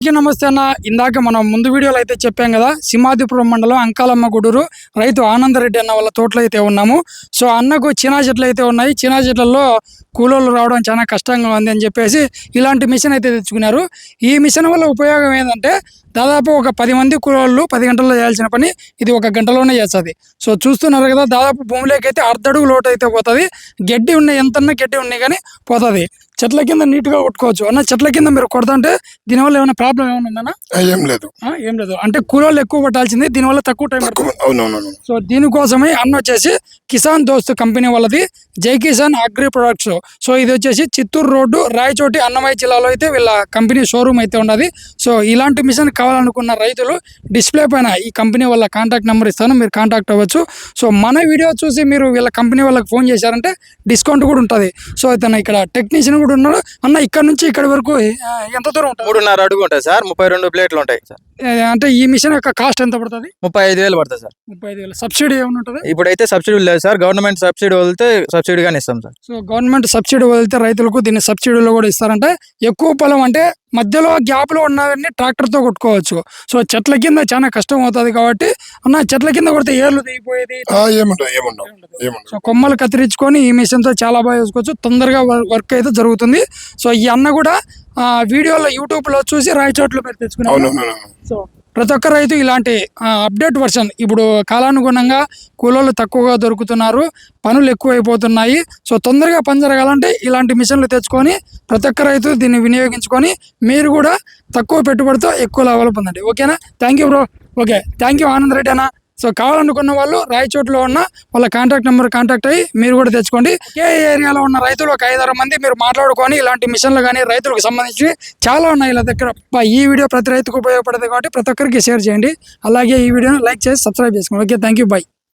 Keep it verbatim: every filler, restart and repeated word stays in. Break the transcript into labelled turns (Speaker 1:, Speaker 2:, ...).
Speaker 1: నమస్తే అన్న. ఇందాక మనం ముందు వీడియోలో అయితే చెప్పాం కదా, సింహాద్రిపురం మండలం అంకాలమ్మ గుడూరు రైతు ఆనందరెడ్డి అన్న వాళ్ళ తోటలో అయితే ఉన్నాము. సో అన్నకు చినా చెట్లు అయితే ఉన్నాయి. చినా చెట్లలో కూలోళ్ళు రావడం చాలా కష్టంగా ఉంది అని చెప్పేసి ఇలాంటి మిషన్ అయితే తెచ్చుకున్నారు. ఈ మిషన్ వల్ల ఉపయోగం ఏంటంటే దాదాపు ఒక పది మంది కూలోళ్ళు పది గంటల్లో చేయాల్సిన పని ఇది ఒక గంటలోనే చేస్తుంది. సో చూస్తున్నారు కదా, దాదాపు భూమిలోకి అయితే అర్ధడుగు లోటు అయితే పోతుంది. గడ్డి ఉన్నాయి, ఎంతన్నా గడ్డి ఉన్నాయి కానీ పోతుంది. చెట్ల కింద నీట్గా కొట్టుకోవచ్చు అన్న. చెట్ల కింద మీరు కొడుతుంటే దీనివల్ల ఏమైనా ప్రాబ్లం ఏమైనా ఉందన్నా?
Speaker 2: ఏం లేదు
Speaker 1: ఏం లేదు అంటే కూలోళ్ళు ఎక్కువ పట్టాల్సింది, దీనివల్ల తక్కువ టైం పడుతుంది.
Speaker 2: అవునవును.
Speaker 1: సో దీనికోసమే అన్న వచ్చేసి కిసాన్ దోస్త్ కంపెనీ వాళ్ళది జై కిసాన్ అగ్రి ప్రొడక్ట్స్. సో ఇది వచ్చేసి చిత్తూరు రోడ్డు రాయచోటి అన్నమయ్య జిల్లాలో అయితే వీళ్ళ కంపెనీ షోరూమ్ అయితే ఉన్నది. సో ఇలాంటి మిషన్ కావాలనుకున్న రైతులు డిస్ప్లే పైన ఈ కంపెనీ వాళ్ళ కాంటాక్ట్ నెంబర్ ఇస్తాను, మీరు కాంటాక్ట్ అవ్వచ్చు. సో మన వీడియో చూసి మీరు వీళ్ళ కంపెనీ వాళ్ళకి ఫోన్ చేశారంటే డిస్కౌంట్ కూడా ఉంటుంది. సో ఇతను ఇక్కడ టెక్నీషియన్ కూడా ఉన్నాడు. అన్న ఇక్కడ నుంచి ఇక్కడ వరకు ఎంత దూరం ఉంటుంది?
Speaker 3: మూడున్నర అడుగు ఉంటాయి సార్. ముప్పై రెండు ప్లేట్లు ఉంటాయి సార్.
Speaker 1: అంటే ఈ మిషన్ యొక్క కాస్ట్ ఎంత పడుతుంది?
Speaker 3: ముప్పై ఐదు వేలు పడుతుంది సార్.
Speaker 1: ముప్పై ఐదు వేలు సబ్సిడీ ఏమైనా ఉంటుంది?
Speaker 3: ఇప్పుడైతే సబ్సిడీ లేదు సార్. గవర్నమెంట్ సబ్సిడీ వదిలితే సబ్సిడీగానే ఇస్తాం సార్.
Speaker 1: సో గవర్నమెంట్ సబ్సిడీ వదిలితే రైతులకు దీన్ని సబ్సిడీలో కూడా ఇస్తారంటే ఎక్కువ పొలం అంటే మధ్యలో గ్యాప్ లో ఉన్నవన్నీ ట్రాక్టర్ తో కొట్టుకోవచ్చు. సో చెట్ల కింద చాలా కష్టం అవుతుంది కాబట్టి అన్న చెట్ల కింద కొడితే ఏర్లు దిగిపోయేది సో కొమ్మలు కత్తిరించుకొని ఈ మిషన్ తో చాలా బాగా చూసుకోవచ్చు. తొందరగా వర్క్ అయితే జరుగుతుంది. సో ఈ అన్న కూడా ఆ వీడియోలో యూట్యూబ్ లో చూసి రాయచోట్లు పెట్టి తెచ్చుకున్నాను. సో ప్రతి ఒక్క రైతు ఇలాంటి అప్డేట్ వర్షన్, ఇప్పుడు కాలానుగుణంగా కూలోళ్ళు తక్కువగా దొరుకుతున్నారు, పనులు ఎక్కువైపోతున్నాయి. సో తొందరగా పని జరగాలంటే ఇలాంటి మిషన్లు తెచ్చుకొని ప్రతి ఒక్క రైతు దీన్ని వినియోగించుకొని మీరు కూడా తక్కువ పెట్టుబడితో ఎక్కువ లాభాలు పొందండి. ఓకేనా? Thank you bro. Okay, thank you Anand Reddy అన్న. సో కావాలనుకున్న వాళ్ళు రాయచోట్లో ఉన్న వాళ్ళ కాంటాక్ట్ నెంబర్ కాంటాక్ట్ అయ్యి మీరు కూడా తెచ్చుకోండి. ఏ ఏరియాలో ఉన్న రైతులు ఒక ఐదారు మంది మీరు మాట్లాడుకొని ఇలాంటి మిషన్లు కానీ రైతులకు సంబంధించి చాలా ఉన్నాయి ఇలా దగ్గర. ఈ వీడియో ప్రతి రైతుకు ఉపయోగపడుతుంది కాబట్టి ప్రతి ఒక్కరికి షేర్ చేయండి. అలాగే ఈ వీడియోని లైక్ చేసి సబ్స్క్రైబ్ చేసుకోండి. Okay, thank you, by.